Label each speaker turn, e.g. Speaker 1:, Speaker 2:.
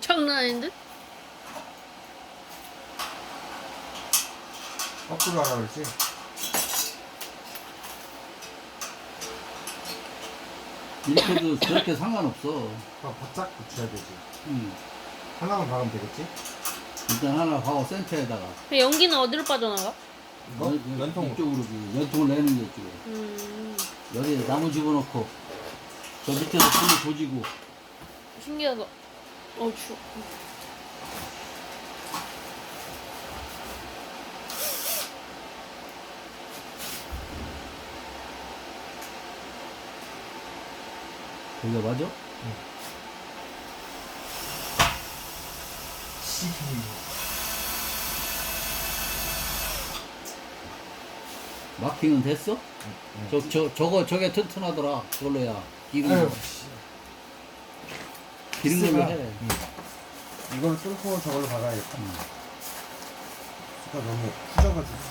Speaker 1: 장난 아닌데?
Speaker 2: 거꾸로 하라 그랬지?
Speaker 3: 이렇게도 저렇게 상관없어.
Speaker 2: 그럼 바짝 붙여야 되지.
Speaker 3: 응.
Speaker 2: 하나만 박으면 되겠지?
Speaker 3: 일단 하나 하고 센터에다가
Speaker 1: 그 연기는 어디로 빠져나가?
Speaker 2: 이거? 연통으로.
Speaker 3: 이쪽으로 연통을 내는 게 이쪽에. 여기 나무 집어넣고 저 밑에서 불을 조지고.
Speaker 1: 신기하다. 추워.
Speaker 3: 여기가 맞아? 마킹은 됐어? 저게 튼튼하더라. 그걸로야. 기름
Speaker 2: 아유,
Speaker 3: 걸로 해.
Speaker 2: 이걸 뚫고 저걸로 박아야겠다. 수가 너무 후져가지고.